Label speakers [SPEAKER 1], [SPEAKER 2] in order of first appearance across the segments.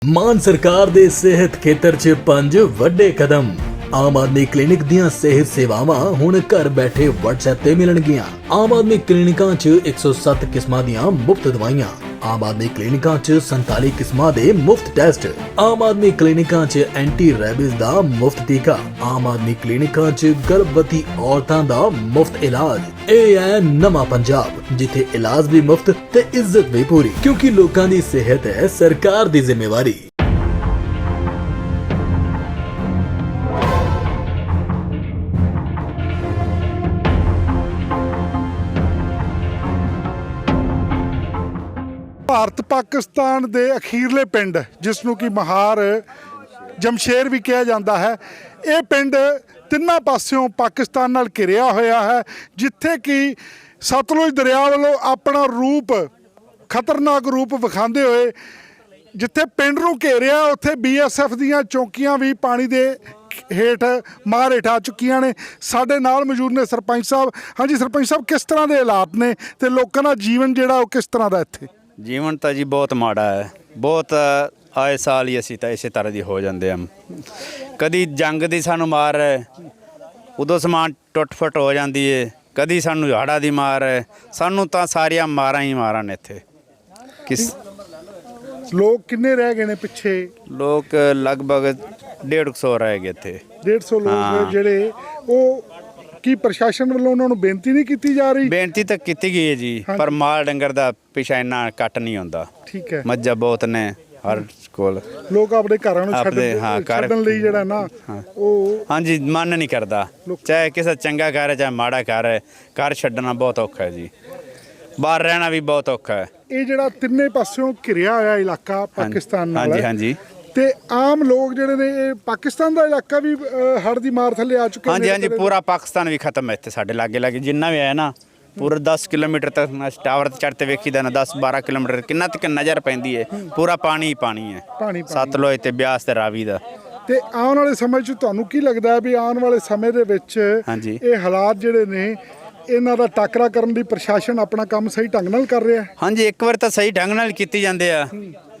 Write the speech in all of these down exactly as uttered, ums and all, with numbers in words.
[SPEAKER 1] ਮਾਨ ਸਰਕਾਰ ਦੇ ਸਿਹਤ ਖੇਤਰ 'ਚ ਪੰਜ ਵੱਡੇ ਕਦਮ। ਆਮ ਆਦਮੀ ਕਲੀਨਿਕ ਦੀਆਂ ਸਿਹਤ ਸੇਵਾਵਾਂ ਹੁਣ ਘਰ ਬੈਠੇ WhatsApp ਤੇ ਮਿਲਣਗੀਆਂ। ਆਮ ਆਦਮੀ ਕਲੀਨਿਕਾਂ 'ਚ ਇੱਕ ਸੌ ਸੱਤ ਕਿਸਮਾਂ ਦੀਆਂ ਮੁਫਤ ਦਵਾਈਆਂ। ਆਮ ਆਦਮੀ ਕਲੀਨਿਕਾਂ 'ਚ ਸੰਤਾਲੀ ਕਿਸਮਾਂ ਦੇ ਮੁਫਤ ਟੈਸਟ। ਆਮ ਆਦਮੀ ਕਲੀਨਿਕਾਂ 'ਚ ਐਂਟੀ ਰੈਬਿਸ ਦਾ ਮੁਫਤ ਟੀਕਾ। ਆਮ ਆਦਮੀ ਕਲੀਨਿਕਾਂ 'ਚ ਗਰਭਵਤੀ ਔਰਤਾਂ ਦਾ ਮੁਫਤ ਇਲਾਜ। ਇਹ ਹੈ ਨਵਾਂ ਪੰਜਾਬ, ਜਿੱਥੇ ਇਲਾਜ ਵੀ ਮੁਫਤ ਤੇ ਇੱਜ਼ਤ ਵੀ ਪੂਰੀ, ਕਿਉਂਕਿ ਲੋਕਾਂ ਦੀ ਸਿਹਤ ਹੈ ਸਰਕਾਰ ਦੀ ਜ਼ਿੰਮੇਵਾਰੀ।
[SPEAKER 2] ਭਾਰਤ ਪਾਕਿਸਤਾਨ ਦੇ ਅਖੀਰਲੇ ਪਿੰਡ, ਜਿਸ ਨੂੰ ਕਿ ਮਹਾਰ ਜਮਸ਼ੇਰ ਵੀ ਕਿਹਾ ਜਾਂਦਾ ਹੈ, ਇਹ ਪਿੰਡ ਤਿੰਨਾਂ ਪਾਸਿਓਂ ਪਾਕਿਸਤਾਨ ਨਾਲ ਘਿਰਿਆ ਹੋਇਆ ਹੈ, ਜਿੱਥੇ ਕਿ ਸਤਲੁਜ ਦਰਿਆ ਵੱਲੋਂ ਆਪਣਾ ਰੂਪ, ਖਤਰਨਾਕ ਰੂਪ ਵਿਖਾਉਂਦੇ ਹੋਏ ਜਿੱਥੇ ਪਿੰਡ ਨੂੰ ਘੇਰਿਆ, ਉੱਥੇ ਬੀ ਐਸ ਐਫ ਦੀਆਂ ਚੌਕੀਆਂ ਵੀ ਪਾਣੀ ਦੇ ਹੇਠ ਮਾਰ ਹੇਠ ਆ ਚੁੱਕੀਆਂ ਨੇ। ਸਾਡੇ ਨਾਲ ਮੌਜੂਦ ਨੇ ਸਰਪੰਚ ਸਾਹਿਬ। ਹਾਂਜੀ ਸਰਪੰਚ ਸਾਹਿਬ, ਕਿਸ ਤਰ੍ਹਾਂ ਦੇ ਹਾਲਾਤ ਨੇ ਤੇ ਲੋਕਾਂ ਦਾ ਜੀਵਨ ਜਿਹੜਾ ਉਹ ਕਿਸ ਤਰ੍ਹਾਂ ਦਾ ਇੱਥੇ?
[SPEAKER 3] ਜੀਵਨ ਤਾਂ ਜੀ ਬਹੁਤ ਮਾੜਾ ਹੈ। ਬਹੁਤ ਆਏ ਸਾਲ ਹੀ ਅਸੀਂ ਤਾਂ ਇਸੇ ਤਰ੍ਹਾਂ ਦੀ ਹੋ ਜਾਂਦੇ ਹਾਂ। ਕਦੀ ਜੰਗ ਦੀ ਸਾਨੂੰ ਮਾਰ ਹੈ, ਉਦੋਂ ਸਮਾਨ ਟੁੱਟ ਫੁੱਟ ਹੋ ਜਾਂਦੀ ਹੈ। ਕਦੀ ਸਾਨੂੰ ਹੜ੍ਹਾਂ ਦੀ ਮਾਰ ਹੈ। ਸਾਨੂੰ ਤਾਂ ਸਾਰੀਆਂ ਮਾਰਾਂ ਹੀ ਮਾਰਾਂ ਨੇ ਇੱਥੇ। ਕਿਸ
[SPEAKER 2] ਲੋਕ ਕਿੰਨੇ ਰਹਿ ਗਏ ਨੇ ਪਿੱਛੇ?
[SPEAKER 3] ਲੋਕ ਲਗਭਗ ਡੇਢ ਕੁ ਸੌ ਰਹਿ ਗਏ ਇੱਥੇ।
[SPEAKER 2] ਡੇਢ ਸੌ ਲੋਕ ਜਿਹੜੇ ਉਹ ਕੀ ਪ੍ਰਸ਼ਾਸਨ ਵੱਲੋਂ ਉਹਨਾਂ ਨੂੰ ਬੇਨਤੀ ਨਹੀਂ ਕੀਤੀ ਜਾ ਰਹੀ?
[SPEAKER 3] ਬੇਨਤੀ ਤਾਂ ਕੀਤੀ ਗਈ ਹੈ ਜੀ, ਪਰ ਮਾਲ ਡੰਗਰ ਦਾ ਪਿਛਾ ਇੰਨਾ ਕੱਟ ਨਹੀਂ ਹੁੰਦਾ।
[SPEAKER 2] ਠੀਕ ਹੈ।
[SPEAKER 3] ਮੱਝਾਂ ਬਹੁਤ ਨੇ ਹਰ ਕੋਲ।
[SPEAKER 2] ਲੋਕ ਆਪਣੇ ਘਰਾਂ ਨੂੰ
[SPEAKER 3] ਆਪਣੇ ਹਾਂ
[SPEAKER 2] ਛੱਡਣ
[SPEAKER 3] ਘਰ
[SPEAKER 2] ਛੱਡਣ ਲਈ ਜਿਹੜਾ ਨਾ ਉਹ
[SPEAKER 3] ਹਾਂਜੀ ਮਨ ਨਹੀਂ ਕਰਦਾ। ਚਾਹੇ ਕਿਸੇ ਚੰਗਾ ਘਰ ਹੈ ਚਾਹੇ ਮਾੜਾ ਘਰ ਹੈ, ਘਰ ਛੱਡਣਾ ਬਹੁਤ ਔਖਾ ਹੈ ਜੀ। ਬਾਹਰ ਰਹਿਣਾ ਵੀ ਬਹੁਤ ਔਖਾ ਹੈ।
[SPEAKER 2] ਇਹ ਜਿਹੜਾ ਤਿੰਨੇ ਪਾਸਿਓਂ ਘਿਰਿਆ ਹੋਇਆ ਇਲਾਕਾ ਪਾਕਿਸਤਾਨ ਨਾਲ
[SPEAKER 3] ਹਾਂਜੀ
[SPEAKER 2] ਹੈ,
[SPEAKER 3] ਹਾਂਜੀ
[SPEAKER 2] ਤੇ ਆਮ ਲੋਕ ਜਿਹੜੇ ਨੇ, ਇਹ ਪਾਕਿਸਤਾਨ ਦਾ ਇਲਾਕਾ ਵੀ ਹੜ੍ਹ ਦੀ ਮਾਰ ਥੱਲੇ ਆ ਚੁੱਕੇ ਨੇ।
[SPEAKER 3] ਹਾਂਜੀ ਹਾਂਜੀ ਪੂਰਾ ਪਾਕਿਸਤਾਨ ਵੀ ਖਤਮ ਹੈ ਇੱਥੇ ਸਾਡੇ ਲਾਗੇ ਲਾਗੇ ਜਿੰਨਾ ਵੀ ਹੈ ਨਾ। ਪੂਰਾ ਦਸ ਕਿਲੋਮੀਟਰ ਤੱਕ ਟਾਵਰ ਤੇ ਚੜ੍ਹ ਤੇ ਵੇਖੀਦਾ ਨਾ, ਦਸ ਬਾਰਾਂ ਕਿਲੋਮੀਟਰ ਕਿੰਨਾ ਤੱਕ ਨਜ਼ਰ ਪੈਂਦੀ ਹੈ। ਪੂਰਾ ਪਾਣੀ ਹੀ ਪਾਣੀ ਹੈ,
[SPEAKER 2] ਪਾਣੀ
[SPEAKER 3] ਸਤਲੁਜ ਤੇ ਬਿਆਸ ਤੇ ਰਾਵੀ ਦਾ।
[SPEAKER 2] ਤੇ ਆਉਣ ਵਾਲੇ ਸਮੇਂ 'ਚ ਤੁਹਾਨੂੰ ਕੀ ਲੱਗਦਾ ਹੈ ਵੀ ਆਉਣ ਵਾਲੇ ਸਮੇਂ ਦੇ ਵਿੱਚ
[SPEAKER 3] ਹਾਂਜੀ
[SPEAKER 2] ਇਹ ਹਾਲਾਤ ਜਿਹੜੇ ਨੇ, ਇਹਨਾਂ ਦਾ ਟਾਕਰਾ ਕਰਨ ਲਈ ਪ੍ਰਸ਼ਾਸਨ ਆਪਣਾ ਕੰਮ ਸਹੀ ਢੰਗ ਨਾਲ ਕਰ ਰਿਹਾ ਹੈ?
[SPEAKER 3] ਹਾਂਜੀ ਇੱਕ ਵਾਰ ਤਾਂ ਸਹੀ ਢੰਗ ਨਾਲ ਕੀਤੀ ਜਾਂਦੇ ਆ,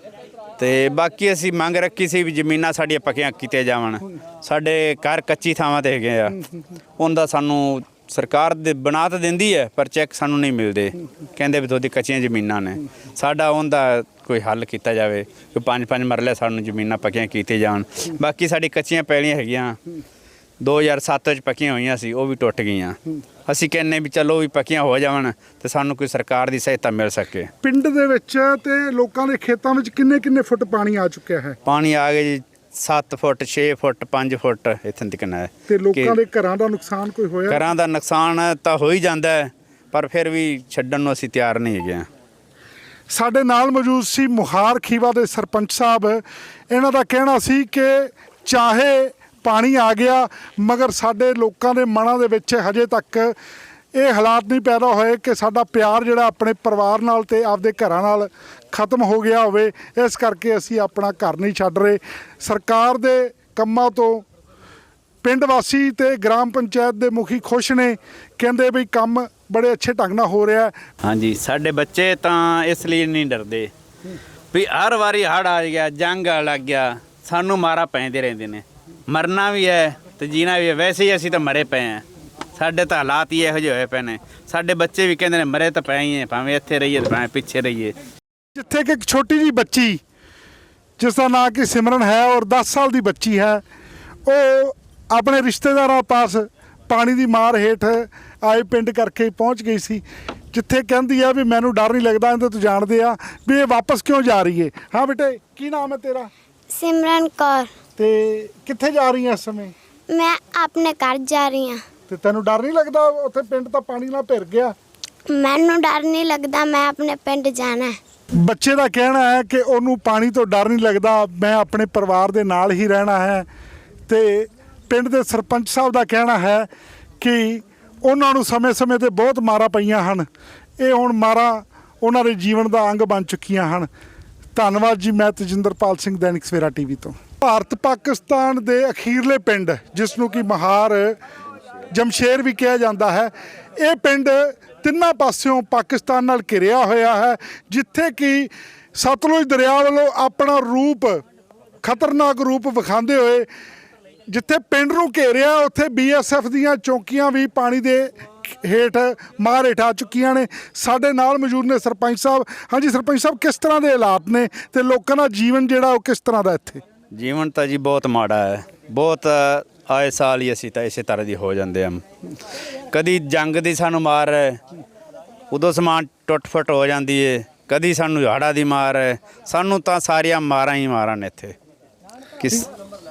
[SPEAKER 3] ਤੇ ਬਾਕੀ ਅਸੀਂ ਮੰਗ ਰੱਖੀ ਸੀ ਵੀ ਜ਼ਮੀਨਾਂ ਸਾਡੀਆਂ ਪੱਕੀਆਂ ਕੀਤੀਆਂ ਜਾਵਣ। ਸਾਡੇ ਘਰ ਕੱਚੀ ਥਾਵਾਂ ਤੇ ਹੈਗੇ ਆ, ਉਹਦਾ ਸਾਨੂੰ ਸਰਕਾਰ ਦੇ ਬਣਾ ਤਾਂ ਦਿੰਦੀ ਹੈ, ਪਰ ਚੈੱਕ ਸਾਨੂੰ ਨਹੀਂ ਮਿਲਦੇ। ਕਹਿੰਦੇ ਵੀ ਤੁਹਾਡੀ ਕੱਚੀਆਂ ਜ਼ਮੀਨਾਂ ਨੇ। ਸਾਡਾ ਉਹਦਾ ਕੋਈ ਹੱਲ ਕੀਤਾ ਜਾਵੇ ਕਿ ਪੰਜ ਪੰਜ ਮਰਲੇ ਸਾਨੂੰ ਜ਼ਮੀਨਾਂ ਪੱਕੀਆਂ ਕੀਤੀਆਂ ਜਾਣ। ਬਾਕੀ ਸਾਡੀ ਕੱਚੀਆਂ ਪੈਲੀਆਂ ਹੈਗੀਆਂ, ਦੋ ਹਜ਼ਾਰ ਸੱਤ ਵਿੱਚ ਪੱਕੀਆਂ ਹੋਈਆਂ ਸੀ, ਉਹ ਵੀ ਟੁੱਟ ਗਈਆਂ। ਅਸੀਂ ਕਹਿੰਦੇ ਵੀ ਚਲੋ ਵੀ ਪੱਕੀਆਂ ਹੋ ਜਾਵਣ ਤੇ ਸਾਨੂੰ ਕੋਈ ਸਰਕਾਰ ਦੀ ਸਹਾਇਤਾ ਮਿਲ ਸਕੇ।
[SPEAKER 2] ਪਿੰਡ ਦੇ ਵਿੱਚ ਤੇ ਲੋਕਾਂ ਦੇ ਖੇਤਾਂ ਵਿੱਚ ਕਿੰਨੇ ਕਿੰਨੇ ਫੁੱਟ ਪਾਣੀ ਆ ਚੁੱਕਿਆ ਹੈ?
[SPEAKER 3] ਪਾਣੀ ਆ ਗਿਆ ਜੀ ਸੱਤ ਫੁੱਟ ਛੇ ਫੁੱਟ ਪੰਜ ਫੁੱਟ ਇੱਥੇ ਤੱਕ ਹੈ।
[SPEAKER 2] ਤੇ ਲੋਕਾਂ ਦੇ ਘਰਾਂ ਦਾ ਨੁਕਸਾਨ ਕੋਈ ਹੋਇਆ?
[SPEAKER 3] ਘਰਾਂ ਦਾ ਨੁਕਸਾਨ ਤਾਂ ਹੋ ਹੀ ਜਾਂਦਾ ਹੈ, ਪਰ ਫਿਰ ਵੀ ਛੱਡਣ ਨੂੰ ਅਸੀਂ ਤਿਆਰ ਨਹੀਂ ਹੈਗੇ ਹਾਂ।
[SPEAKER 2] ਸਾਡੇ ਨਾਲ ਮੌਜੂਦ ਸੀ ਮੁਹਾਰ ਖੀਵਾ ਦੇ ਸਰਪੰਚ ਸਾਹਿਬ। ਇਹਨਾਂ ਦਾ ਕਹਿਣਾ ਸੀ ਕਿ ਚਾਹੇ ਪਾਣੀ ਆ ਗਿਆ, ਮਗਰ ਸਾਡੇ ਲੋਕਾਂ ਦੇ ਮਨਾਂ ਦੇ ਵਿੱਚ ਹਜੇ ਤੱਕ ਇਹ ਹਾਲਾਤ ਨਹੀਂ ਪੈਦਾ ਹੋਏ ਕਿ ਸਾਡਾ ਪਿਆਰ ਜਿਹੜਾ ਆਪਣੇ ਪਰਿਵਾਰ ਨਾਲ ਤੇ ਆਪਦੇ ਘਰਾਂ ਨਾਲ ਖਤਮ ਹੋ ਗਿਆ ਹੋਵੇ। ਇਸ ਕਰਕੇ ਅਸੀਂ ਆਪਣਾ ਘਰ ਨਹੀਂ ਛੱਡ ਰਹੇ। ਸਰਕਾਰ ਦੇ ਕੰਮਾਂ ਤੋਂ ਪਿੰਡ ਵਾਸੀ ਤੇ ਗ੍ਰਾਮ ਪੰਚਾਇਤ ਦੇ ਮੁਖੀ ਖੁਸ਼ ਨੇ, ਕਹਿੰਦੇ ਵੀ ਕੰਮ ਬੜੇ ਅੱਛੇ ਢੰਗ ਨਾਲ ਹੋ ਰਿਹਾ। ਹਾਂਜੀ
[SPEAKER 3] ਸਾਡੇ ਬੱਚੇ ਤਾਂ ਇਸ ਲਈ ਨਹੀਂ ਡਰਦੇ ਵੀ ਹਰ ਵਾਰੀ ਹੜ੍ਹ ਆ ਗਿਆ, ਜੰਗ ਲੱਗ ਗਿਆ, ਸਾਨੂੰ ਮਾਰਾ ਪੈਂਦੇ ਰਹਿੰਦੇ ਨੇ। ਮਰਨਾ ਵੀ ਹੈ ਤੇ ਜੀਣਾ ਵੀ ਹੈ। ਵੈਸੇ ਹੀ ਅਸੀਂ ਤਾਂ ਮਰੇ ਪਏ ਹਾਂ, ਸਾਡੇ ਤਾਂ ਹਾਲਾਤ ਹੀ ਇਹੋ ਜਿਹੇ ਹੋਏ ਪਏ ਨੇ। ਸਾਡੇ ਬੱਚੇ ਵੀ ਕਹਿੰਦੇ ਨੇ ਮਰੇ ਤਾਂ ਪਏ ਹੀ ਹੈ, ਭਾਵੇਂ ਇੱਥੇ ਰਹੀਏ ਤੇ ਭਾਵੇਂ ਪਿੱਛੇ ਰਹੀਏ।
[SPEAKER 2] ਜਿੱਥੇ ਕਿ ਇੱਕ ਛੋਟੀ ਜਿਹੀ ਬੱਚੀ, ਜਿਸ ਦਾ ਨਾਂ ਕਿ ਸਿਮਰਨ ਹੈ ਔਰ ਦਸ ਸਾਲ ਦੀ ਬੱਚੀ ਹੈ, ਉਹ ਆਪਣੇ ਰਿਸ਼ਤੇਦਾਰਾਂ ਪਾਸ ਪਾਣੀ ਦੀ ਮਾਰ ਹੇਠ ਆਏ ਪਿੰਡ ਕਰਕੇ ਪਹੁੰਚ ਗਈ ਸੀ, ਜਿੱਥੇ ਕਹਿੰਦੀ ਆ ਵੀ ਮੈਨੂੰ ਡਰ ਨਹੀਂ ਲੱਗਦਾ। ਇਹਦੇ ਤੋਂ ਜਾਣਦੇ ਆ ਵੀ ਇਹ ਵਾਪਸ ਕਿਉਂ ਜਾ ਰਹੀ ਹੈ। ਹਾਂ ਬੇਟੇ, ਕੀ ਨਾਮ ਹੈ ਤੇਰਾ?
[SPEAKER 4] सिमरन कौर।
[SPEAKER 2] ਤੇ ਕਿੱਥੇ ਜਾ ਰਹੀ ਹੈ ਇਸ ਸਮੇਂ?
[SPEAKER 4] मैं अपने घर जा रही हाँ।
[SPEAKER 2] ਤੇ ਤੈਨੂੰ ਡਰ ਨਹੀਂ ਲੱਗਦਾ? ਉੱਥੇ ਪਿੰਡ ਤਾਂ ਪਾਣੀ ਨਾਲ ਭਿਰ ਗਿਆ।
[SPEAKER 4] मैनू डर नहीं लगता, मैं अपने पिंड जाना है।
[SPEAKER 2] ਬੱਚੇ ਦਾ ਕਹਿਣਾ ਹੈ ਕਿ ਉਹਨੂੰ ਪਾਣੀ ਤੋਂ ਡਰ ਨਹੀਂ ਲੱਗਦਾ, ਮੈਂ ਆਪਣੇ ਪਰਿਵਾਰ ਦੇ ਨਾਲ ਹੀ ਰਹਿਣਾ ਹੈ। ਤੇ ਪਿੰਡ ਦੇ ਸਰਪੰਚ ਸਾਹਿਬ ਦਾ ਕਹਿਣਾ ਹੈ ਕਿ ਉਹਨਾਂ ਨੂੰ ਸਮੇਂ-ਸਮੇਂ ਤੇ ਬਹੁਤ ਮਾਰਾਂ ਪਈਆਂ ਹਨ। ਇਹ ਹੁਣ ਮਾਰਾਂ ਉਹਨਾਂ ਦੇ ਜੀਵਨ ਦਾ ਅੰਗ ਬਣ ਚੁੱਕੀਆਂ ਹਨ। ਧੰਨਵਾਦ ਜੀ। ਮੈਂ ਤੇਜਿੰਦਰਪਾਲ ਸਿੰਘ, ਦੈਨਿਕ ਸਵੇਰਾ ਟੀਵੀ ਤੋਂ। ਭਾਰਤ ਪਾਕਿਸਤਾਨ ਦੇ ਅਖੀਰਲੇ ਪਿੰਡ, ਜਿਸ ਨੂੰ ਕਿ ਮਹਾਰ ਜਮਸ਼ੇਰ ਵੀ ਕਿਹਾ ਜਾਂਦਾ ਹੈ, ਇਹ ਪਿੰਡ ਤਿੰਨਾਂ ਪਾਸਿਓਂ ਪਾਕਿਸਤਾਨ ਨਾਲ ਘਿਰਿਆ ਹੋਇਆ ਹੈ, ਜਿੱਥੇ ਕਿ ਸਤਲੁਜ ਦਰਿਆ ਵੱਲੋਂ ਆਪਣਾ ਰੂਪ ਖਤਰਨਾਕ ਰੂਪ ਵਿਖਾਉਂਦੇ ਹੋਏ ਜਿੱਥੇ ਪਿੰਡ ਨੂੰ ਘੇਰਿਆ ਉੱਥੇ ਬੀਐਸਐਫ ਦੀਆਂ ਚੌਕੀਆਂ ਵੀ ਪਾਣੀ ਦੇ ਹੇਠ ਮਾਰ ਹੇਠ ਆ ਚੁੱਕੀਆਂ ਨੇ। ਸਾਡੇ ਨਾਲ ਮੌਜੂਦ ਨੇ ਸਰਪੰਚ ਸਾਹਿਬ। ਹਾਂਜੀ ਸਰਪੰਚ ਸਾਹਿਬ, ਕਿਸ ਤਰ੍ਹਾਂ ਦੇ ਹਾਲਾਤ ਨੇ ਤੇ ਲੋਕਾਂ ਦਾ ਜੀਵਨ ਜਿਹੜਾ ਉਹ ਕਿਸ ਤਰ੍ਹਾਂ ਦਾ ਇੱਥੇ?
[SPEAKER 3] ਜੀਵਨ ਤਾਂ ਜੀ ਬਹੁਤ ਮਾੜਾ ਹੈ, ਬਹੁਤ ਆਏ ਸਾਲ ਹੀ ਅਸੀਂ ਤਾਂ ਇਸੇ ਤਰ੍ਹਾਂ ਦੀ ਹੋ ਜਾਂਦੇ ਹਾਂ। ਕਦੀ ਜੰਗ ਦੀ ਸਾਨੂੰ ਮਾਰ ਹੈ, ਉਦੋਂ ਸਮਾਨ ਟੁੱਟ ਫੁੱਟ ਹੋ ਜਾਂਦੀ ਏ, ਕਦੀ ਸਾਨੂੰ ਹੜ੍ਹਾਂ ਦੀ ਮਾਰ ਹੈ। ਸਾਨੂੰ ਤਾਂ ਸਾਰੀਆਂ ਮਾਰਾਂ ਹੀ ਮਾਰਾਂ ਨੇ ਇੱਥੇ। ਕਿਸ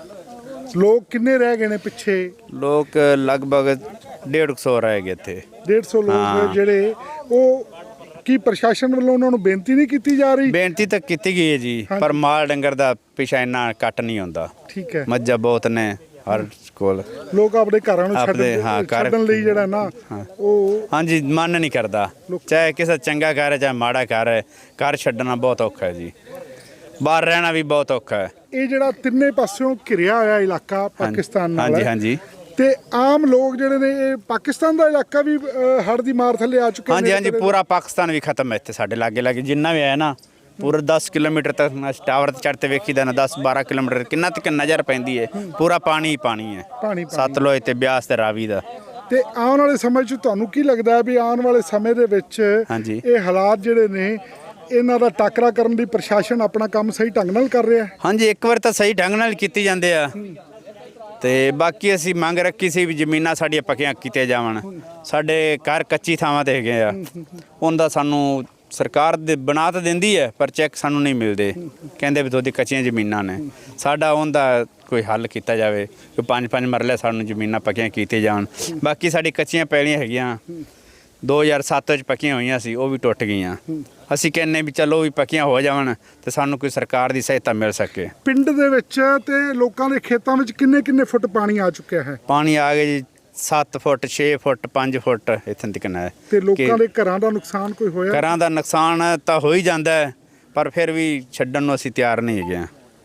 [SPEAKER 2] ਲੋਕ ਕਿੰਨੇ ਰਹਿ ਗਏ ਨੇ ਪਿੱਛੇ?
[SPEAKER 3] ਲੋਕ ਲਗਭਗ ਡੇਢ ਸੌ ਰਹਿ ਗਏ ਇੱਥੇ।
[SPEAKER 2] ਡੇਢ ਸੌ ਲੋਕ ਜਿਹੜੇ ਉਹ ਕੀ ਪ੍ਰਸ਼ਾਸਨ ਵੱਲੋਂ ਉਹਨਾਂ ਨੂੰ ਬੇਨਤੀ ਨਹੀਂ ਕੀਤੀ ਜਾ ਰਹੀ?
[SPEAKER 3] ਬੇਨਤੀ ਤਾਂ ਕੀਤੀ ਗਈ ਹੈ ਜੀ, ਪਰ ਮਾਲ ਡੰਗਰ ਦਾ ਪਿਛਾ ਇੰਨਾ ਕੱਟ ਨਹੀਂ ਹੁੰਦਾ।
[SPEAKER 2] ਠੀਕ ਹੈ।
[SPEAKER 3] ਮੱਝਾਂ ਬਹੁਤ ਨੇ ਹਰ ਕੋਲ।
[SPEAKER 2] ਲੋਕ ਆਪਣੇ ਘਰਾਂ ਨੂੰ
[SPEAKER 3] ਆਪਣੇ,
[SPEAKER 2] ਛੱਡਣ
[SPEAKER 3] ਹਾਂ, ਘਰ-
[SPEAKER 2] ਛੱਡਣ ਲਈ ਜਿਹੜਾ ਨਾ ਉਹ
[SPEAKER 3] ਹਾਂਜੀ ਮਨ ਨਹੀਂ ਕਰਦਾ। ਚਾਹੇ ਕਿਸੇ ਚੰਗਾ ਘਰ ਹੈ ਚਾਹੇ ਮਾੜਾ ਘਰ ਹੈ, ਘਰ ਛੱਡਣਾ ਬਹੁਤ ਔਖਾ ਹੈ ਜੀ। ਬਾਹਰ ਰਹਿਣਾ ਵੀ ਬਹੁਤ ਔਖਾ ਹੈ।
[SPEAKER 2] ਇਹ ਜਿਹੜਾ ਤਿੰਨੇ ਪਾਸਿਓਂ ਘਿਰਿਆ ਹੋਇਆ ਇਲਾਕਾ ਪਾਕਿਸਤਾਨ ਨਾਲ
[SPEAKER 3] ਹਾਂਜੀ
[SPEAKER 2] ਹੈ।
[SPEAKER 3] ਹਾਂਜੀ
[SPEAKER 2] ਤੇ ਆਮ ਲੋਕ ਜਿਹੜੇ ਨੇ ਇਹ ਪਾਕਿਸਤਾਨ ਦਾ ਇਲਾਕਾ ਵੀ ਹੜ੍ਹ ਦੀ ਮਾਰ ਥੱਲੇ ਆ ਚੁੱਕੇ
[SPEAKER 3] ਹਾਂਜੀ ਹਾਂਜੀ ਪੂਰਾ ਪਾਕਿਸਤਾਨ ਵੀ ਖਤਮ ਹੈ ਇੱਥੇ ਸਾਡੇ ਲਾਗੇ ਲਾਗੇ ਜਿੰਨਾ ਵੀ ਹੈ ਨਾ। ਪੂਰਾ ਦਸ ਕਿਲੋਮੀਟਰ ਤੱਕ ਟਾਵਰ ਤੇ ਚੜ੍ਹਤੇ ਵੇਖੀਦਾ ਨਾ, ਦਸ ਬਾਰਾਂ ਕਿਲੋਮੀਟਰ ਕਿੰਨਾ ਤੱਕ ਨਜ਼ਰ ਪੈਂਦੀ ਹੈ। ਪੂਰਾ ਪਾਣੀ ਹੀ ਪਾਣੀ ਹੈ,
[SPEAKER 2] ਪਾਣੀ
[SPEAKER 3] ਸਤਲੁਜ ਤੇ ਬਿਆਸ ਤੇ ਰਾਵੀ ਦਾ।
[SPEAKER 2] ਤੇ ਆਉਣ ਵਾਲੇ ਸਮੇਂ 'ਚ ਤੁਹਾਨੂੰ ਕੀ ਲੱਗਦਾ ਹੈ ਵੀ ਆਉਣ ਵਾਲੇ ਸਮੇਂ ਦੇ ਵਿੱਚ
[SPEAKER 3] ਹਾਂਜੀ
[SPEAKER 2] ਇਹ ਹਾਲਾਤ ਜਿਹੜੇ ਨੇ ਇਹਨਾਂ ਦਾ ਟਾਕਰਾ ਕਰਨ ਲਈ ਪ੍ਰਸ਼ਾਸਨ ਆਪਣਾ ਕੰਮ ਸਹੀ ਢੰਗ ਨਾਲ ਕਰ ਰਿਹਾ ਹੈ?
[SPEAKER 3] ਹਾਂਜੀ ਇੱਕ ਵਾਰ ਤਾਂ ਸਹੀ ਢੰਗ ਨਾਲ ਕੀਤੀ ਜਾਂਦੇ ਆ, ਤੇ ਬਾਕੀ ਅਸੀਂ ਮੰਗ ਰੱਖੀ ਸੀ ਵੀ ਜ਼ਮੀਨਾਂ ਸਾਡੀਆਂ ਪੱਕੀਆਂ ਕੀਤੀਆਂ ਜਾਵਣ। ਸਾਡੇ ਘਰ ਕੱਚੀ ਥਾਵਾਂ ਤੇ ਹੈਗੇ ਆ, ਉਹਦਾ ਸਾਨੂੰ ਸਰਕਾਰ ਦੇ ਬਣਾ ਤਾਂ ਦਿੰਦੀ ਹੈ ਪਰ ਚੈੱਕ ਸਾਨੂੰ ਨਹੀਂ ਮਿਲਦੇ। ਕਹਿੰਦੇ ਵੀ ਤੁਹਾਡੀ ਕੱਚੀਆਂ ਜ਼ਮੀਨਾਂ ਨੇ। ਸਾਡਾ ਉਹਦਾ ਕੋਈ ਹੱਲ ਕੀਤਾ ਜਾਵੇ ਕਿ ਪੰਜ ਪੰਜ ਮਰਲੇ ਸਾਨੂੰ ਜ਼ਮੀਨਾਂ ਪੱਕੀਆਂ ਕੀਤੀਆਂ ਜਾਣ। ਬਾਕੀ ਸਾਡੀ ਕੱਚੀਆਂ ਪੈਲੀਆਂ ਹੈਗੀਆਂ ਦੋ ਹਜ਼ਾਰ ਸੱਤ ਵਿੱਚ ਪੱਕੀਆਂ ਹੋਈਆਂ ਸੀ, ਉਹ ਵੀ ਟੁੱਟ ਗਈਆਂ। ਅਸੀਂ ਕਹਿੰਦੇ ਵੀ ਚਲੋ ਵੀ ਪੱਕੀਆਂ ਹੋ ਜਾਵਣ ਤੇ ਸਾਨੂੰ ਕੋਈ ਸਰਕਾਰ ਦੀ ਸਹਾਇਤਾ ਮਿਲ ਸਕੇ।
[SPEAKER 2] ਪਿੰਡ ਦੇ ਵਿੱਚ ਤੇ ਲੋਕਾਂ ਦੇ ਖੇਤਾਂ ਵਿੱਚ ਕਿੰਨੇ ਕਿੰਨੇ ਫੁੱਟ ਪਾਣੀ ਆ ਚੁੱਕਿਆ ਹੈ?
[SPEAKER 3] ਪਾਣੀ ਆ ਗਿਆ ਜੀ ਸੱਤ ਫੁੱਟ ਛੇ ਫੁੱਟ ਪੰਜ ਫੁੱਟ ਇੱਥੇ ਤੱਕ ਹੈ।
[SPEAKER 2] ਤੇ ਲੋਕਾਂ ਦੇ ਘਰਾਂ ਦਾ ਨੁਕਸਾਨ ਕੋਈ ਹੋਇਆ?
[SPEAKER 3] ਘਰਾਂ ਦਾ ਨੁਕਸਾਨ ਤਾਂ ਹੋ ਹੀ ਜਾਂਦਾ ਹੈ, ਪਰ ਫਿਰ ਵੀ ਛੱਡਣ ਨੂੰ ਅਸੀਂ ਤਿਆਰ ਨਹੀਂ ਹੈਗੇ।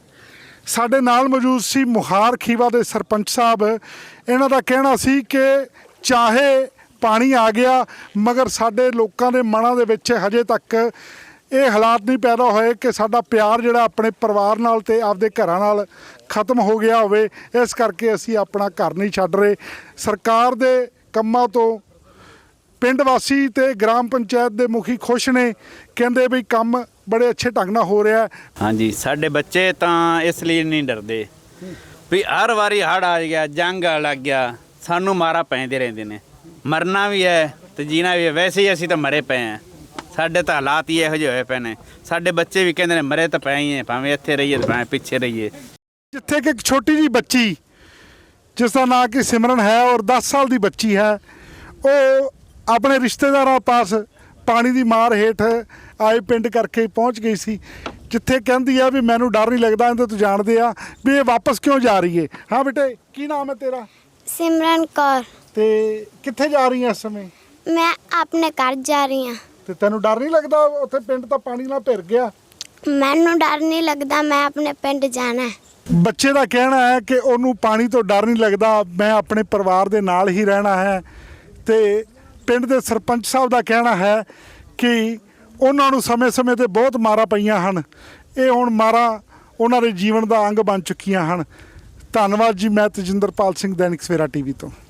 [SPEAKER 2] ਸਾਡੇ ਨਾਲ ਮੌਜੂਦ ਸੀ ਮੁਹਾਰ ਖੀਵਾ ਦੇ ਸਰਪੰਚ ਸਾਹਿਬ। ਇਹਨਾਂ ਦਾ ਕਹਿਣਾ ਸੀ ਕਿ ਚਾਹੇ ਪਾਣੀ ਆ ਗਿਆ ਮਗਰ ਸਾਡੇ ਲੋਕਾਂ ਦੇ ਮਨਾਂ ਦੇ ਵਿੱਚ ਹਜੇ ਤੱਕ ਇਹ ਹਾਲਾਤ ਨਹੀਂ ਪੈਦਾ ਹੋਏ ਕਿ ਸਾਡਾ ਪਿਆਰ ਜਿਹੜਾ ਆਪਣੇ ਪਰਿਵਾਰ ਨਾਲ ਤੇ ਆਪਦੇ ਘਰਾਂ ਨਾਲ ਖਤਮ ਹੋ ਗਿਆ ਹੋਵੇ। ਇਸ ਕਰਕੇ ਅਸੀਂ ਆਪਣਾ ਘਰ ਨਹੀਂ ਛੱਡ ਰਹੇ। ਸਰਕਾਰ ਦੇ ਕੰਮਾਂ ਤੋਂ ਪਿੰਡ ਵਾਸੀ ਤੇ ਗ੍ਰਾਮ ਪੰਚਾਇਤ ਦੇ ਮੁਖੀ ਖੁਸ਼ ਨੇ, ਕਹਿੰਦੇ ਵੀ ਕੰਮ ਬੜੇ ਅੱਛੇ ਢੰਗ ਨਾਲ ਹੋ ਰਿਹਾ।
[SPEAKER 3] ਹਾਂਜੀ ਸਾਡੇ ਬੱਚੇ ਤਾਂ ਇਸ ਲਈ ਨਹੀਂ ਡਰਦੇ ਵੀ ਹਰ ਵਾਰੀ ਹੜ੍ਹ ਆ ਗਿਆ, ਜੰਗ ਆ ਲੱਗ ਗਿਆ, ਸਾਨੂੰ ਮਾਰਾ ਪੈਂਦੇ ਰਹਿੰਦੇ ਨੇ। ਮਰਨਾ ਵੀ ਹੈ ਤੇ ਜੀਣਾ ਵੀ ਹੈ। ਵੈਸੇ ਹੀ ਅਸੀਂ ਤਾਂ ਮਰੇ ਪਏ ਹਾਂ, ਸਾਡੇ ਤਾਂ ਹਾਲਾਤ ਹੀ ਇਹੋ ਜਿਹੇ ਹੋਏ ਪਏ ਨੇ। ਸਾਡੇ ਬੱਚੇ ਵੀ ਕਹਿੰਦੇ ਨੇ ਮਰੇ ਤਾਂ ਪਏ ਹੀ ਹੈ, ਭਾਵੇਂ ਇੱਥੇ ਰਹੀਏ ਤੇ ਭਾਵੇਂ ਪਿੱਛੇ ਰਹੀਏ।
[SPEAKER 2] ਜਿੱਥੇ ਕਿ ਇੱਕ ਛੋਟੀ ਜੀ ਬੱਚੀ ਜਿਸ ਦਾ ਨਾਂ ਕਿ ਸਿਮਰਨ ਹੈ ਔਰ ਦਸ ਸਾਲ ਦੀ ਬੱਚੀ ਹੈ, ਉਹ ਆਪਣੇ ਰਿਸ਼ਤੇਦਾਰਾਂ ਪਾਸ ਪਾਣੀ ਦੀ ਮਾਰ ਹੇਠ ਆਏ ਪਿੰਡ ਕਰਕੇ ਪਹੁੰਚ ਗਈ ਸੀ, ਜਿੱਥੇ ਕਹਿੰਦੀ ਆ ਵੀ ਮੈਨੂੰ ਡਰ ਨਹੀਂ ਲੱਗਦਾ। ਇਹਦੇ ਤੋਂ ਜਾਣਦੇ ਆ ਵੀ ਇਹ ਵਾਪਸ ਕਿਉਂ ਜਾ ਰਹੀ ਹੈ। ਹਾਂ ਬੇਟੇ, ਕੀ ਨਾਮ ਹੈ ਤੇਰਾ?
[SPEAKER 4] ਸਿਮਰਨ ਕੌਰ।
[SPEAKER 2] ਤੇ ਕਿੱਥੇ ਜਾ ਰਹੀ ਹੈ ਇਸ ਸਮੇਂ?
[SPEAKER 4] ਮੈਂ ਆਪਣੇ ਘਰ ਜਾ ਰਹੀ ਹਾਂ।
[SPEAKER 2] ਤੇ ਤੈਨੂੰ ਡਰ ਨਹੀਂ ਲੱਗਦਾ? ਉੱਥੇ ਪਿੰਡ ਤਾਂ ਪਾਣੀ ਨਾਲ ਭਿਰ ਗਿਆ।
[SPEAKER 4] ਮੈਨੂੰ ਡਰ ਨਹੀਂ ਲੱਗਦਾ, ਮੈਂ ਆਪਣੇ ਪਿੰਡ ਜਾਣਾ ਹੈ।
[SPEAKER 2] ਬੱਚੇ ਦਾ ਕਹਿਣਾ ਹੈ ਕਿ ਉਹਨੂੰ ਪਾਣੀ ਤੋਂ ਡਰ ਨਹੀਂ ਲੱਗਦਾ, ਮੈਂ ਆਪਣੇ ਪਰਿਵਾਰ ਦੇ ਨਾਲ ਹੀ ਰਹਿਣਾ ਹੈ। ਤੇ ਪਿੰਡ ਦੇ ਸਰਪੰਚ ਸਾਹਿਬ ਦਾ ਕਹਿਣਾ ਹੈ ਕਿ ਉਹਨਾਂ ਨੂੰ ਸਮੇਂ-ਸਮੇਂ ਤੇ ਬਹੁਤ ਮਾਰਾਂ ਪਈਆਂ ਹਨ। ਇਹ ਹੁਣ ਮਾਰਾਂ ਉਹਨਾਂ ਦੇ ਜੀਵਨ ਦਾ ਅੰਗ ਬਣ ਚੁੱਕੀਆਂ ਹਨ। ਧੰਨਵਾਦ ਜੀ। ਮੈਂ ਤੇਜਿੰਦਰਪਾਲ ਸਿੰਘ, ਦੈਨਿਕ ਸਵੇਰਾ ਟੀਵੀ ਤੋਂ।